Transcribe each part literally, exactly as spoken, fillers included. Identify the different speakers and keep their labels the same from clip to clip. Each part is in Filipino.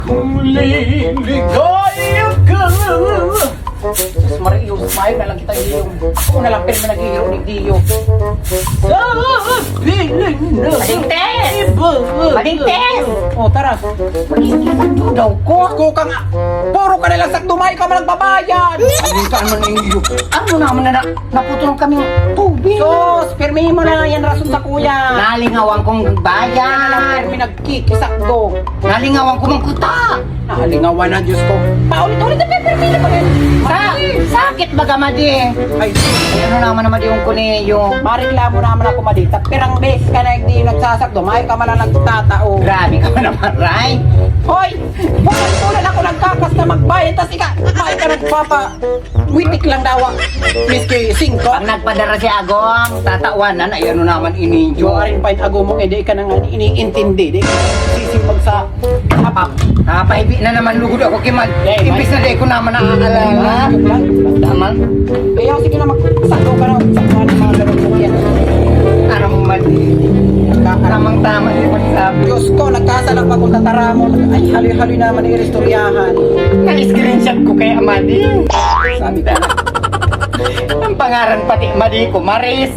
Speaker 1: Kung liligaya ka.
Speaker 2: Sus, Mario, smile na lang kita, Gio. Ako na lang pero nag-iiro ni Gio.
Speaker 1: Sa piling na
Speaker 2: Madingtes!
Speaker 1: iba.
Speaker 2: Madingtes!
Speaker 1: O, tara.
Speaker 2: Mag-iiro daw ko.
Speaker 1: Ko ka nga. Puro ka nalang sakdumay ka man nagbabayad. Anong ka man ninyo?
Speaker 2: Ano naman na naputulong kaming tubig?
Speaker 1: Sos, pirmihin mo na yan rason sa kuya.
Speaker 2: Nalingawan kong
Speaker 1: Yan na lang
Speaker 2: bayan.
Speaker 1: pirmi nagkikisakdo.
Speaker 2: Nalingawan ko mang kuta.
Speaker 1: Nakalingawan na, Diyos ko. Paulit-ulit na pirmihin mo rin.
Speaker 2: Sa, sakit baga, Madi?
Speaker 1: Ay,
Speaker 2: Ano naman naman yung kuneyo?
Speaker 1: mariklamo naman ako madita. Pirang beses ka na hindi nagsasakdo. May ka man lang nagtatao.
Speaker 2: Grabe ka man naman, Ray.
Speaker 1: Hoy! Bulan-bulan ako nagkakas na magbayad. Tapos ika, may ka nagpapa... Witik lang daw. Miski singko.
Speaker 2: Pag nagpadara si Agong, tatawanan, ay ano naman
Speaker 1: Yung
Speaker 2: ininyo.
Speaker 1: aring pain ago mo, hindi ka nang iniintindi. Di ka sisimpag sa kapap.
Speaker 2: Napahibi na naman lugod ako kimal.
Speaker 1: Eh,
Speaker 2: Imbis na di ko naman naaalala.
Speaker 1: Yung lang, yung lang.
Speaker 2: Tamal.
Speaker 1: Kaya sige na magsakdo ka na. Sakdo ng mga ganun mo yan.
Speaker 2: Aram mali. Tamang tama yung pagsabi.
Speaker 1: Diyos ko, nagkasalang pa kung tatara mo. Ay, haloy-haloy naman ang iristoryahan.
Speaker 2: Na-screenshot ko kay Amadi.
Speaker 1: Sabi ka na.
Speaker 2: Ang pangaran pati Amadi ko, Maris.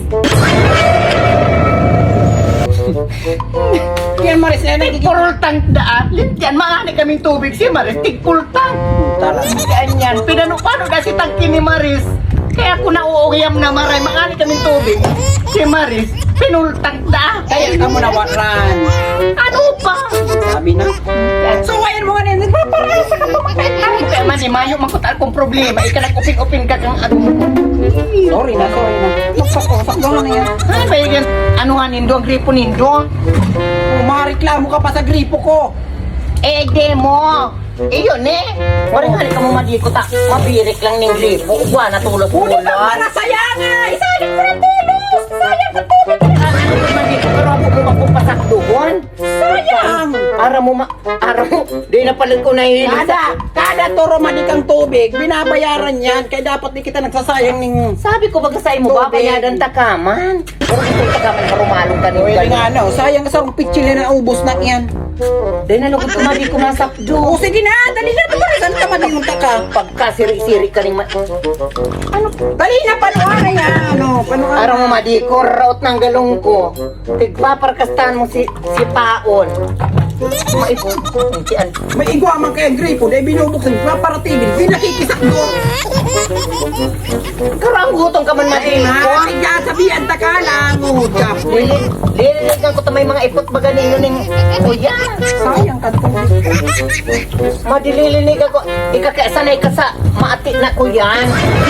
Speaker 1: Yan, Maris, na nagiging...
Speaker 2: Tigpurultang daan. Yan, maani kaming tubig si Maris. Tigpultang.
Speaker 1: Tara.
Speaker 2: Ganyan. Pinano, paano na si tangki ni Maris? Kaya kung nauugiyam na maray, maani kaming tubig. Si Maris, pinultang daan.
Speaker 1: Kaya ka mo nawaran.
Speaker 2: Ano pa?
Speaker 1: Sabi na. So, ayan mo nga nila. Nagpaparasa ka pa makailan.
Speaker 2: Kaya man, mayo makutaan kong problema. Ika nag-upin-upin ka kang ano.
Speaker 1: Sorry na, sorry na. Sakdo na yan.
Speaker 2: Ano ba yun? Ano nga nindo? Ang gripo nindo?
Speaker 1: Umareklamo ka pa sa gripo ko.
Speaker 2: Eh, demo. Eh, yun eh. Waring hali ka mo madiko ta. Mabirik lang ng gripo. Uwa, natulog
Speaker 1: Ulit ang
Speaker 2: ulan.
Speaker 1: para sayanga! Isalit sa tulos! Sayang sa tulos!
Speaker 2: Ano ko madiko? Pero ako mo mapupasak doon.
Speaker 1: Sayang!
Speaker 2: Ara mo ma... Ara mo. Di na pala ko nahihilig
Speaker 1: Kada, kada toro manikang tubig, binabayaran yan. Kaya dapat di kita nagsasayang ning...
Speaker 2: Sabi ko baga sa'yo mo,
Speaker 1: Tubig.
Speaker 2: babayadan takaman. Pero itong takaman, harumalong ka
Speaker 1: Pwede
Speaker 2: nito.
Speaker 1: nga ano, sayang sa akong pitchili na ubos na yan.
Speaker 2: Di na lugod ko madiko masakdo.
Speaker 1: O sige na, dali na ito para saan ka manimunta ka?
Speaker 2: Pagka siri-siri ka ning ma...
Speaker 1: Ano? Dali na, panuha na yan. Ano, panuha
Speaker 2: Araw mo madiko, raot ng galong ko. Tigpaparkastahan mo si, si Paon. Maipon.
Speaker 1: May igwa man kaya gripo, dahil binubuksan, paparatibin, pinakikisak doon.
Speaker 2: Karang gutom ka man
Speaker 1: Ay,
Speaker 2: madiko.
Speaker 1: ha? Ay, sabihan, taka lang. Oh, Japoy.
Speaker 2: Lili, liligan ko ta may mga ipot baga ninyo ning kuya.
Speaker 1: Sayang ka tubig.
Speaker 2: Madililinig ako. Ikakasanay ka sa maati na kuyan.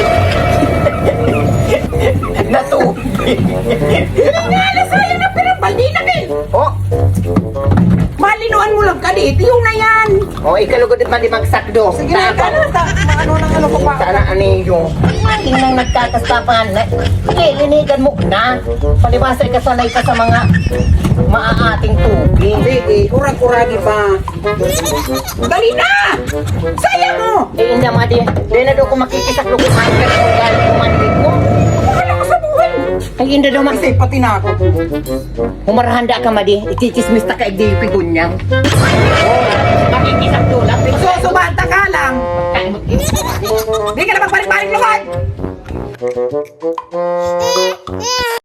Speaker 2: Natubig.
Speaker 1: Nga, sayang na pinabaldi na kayo.
Speaker 2: Oh,
Speaker 1: Malinuan mo lang ka dito, yung na yan.
Speaker 2: oh, ikalugod at mali magsakdo.
Speaker 1: Sige na, ka na. ta- Ano nang ano ko pa?
Speaker 2: Sana aniyo. Maling nang nagkakastapan na. Lilinigan mo na. Palibasa ka sanay ka sa mga maaating tubig.
Speaker 1: Sige, kurag-kuragi pa. Dali na! Sayang mo!
Speaker 2: Eh, hindi mga di. Di na daw ko makikisaklo kung mahal ka na kung galing kumandi ko.
Speaker 1: Wala ko sa buhay.
Speaker 2: Ay, hindi daw mag...
Speaker 1: Kasi pati na ako.
Speaker 2: Humarahanda ka, Madi. Ichichismis ta ka igdi yung pigunyang. Oh, makikisaklo lang.
Speaker 1: Susubanta ka lang. Di ka na magbalik-balik lumad!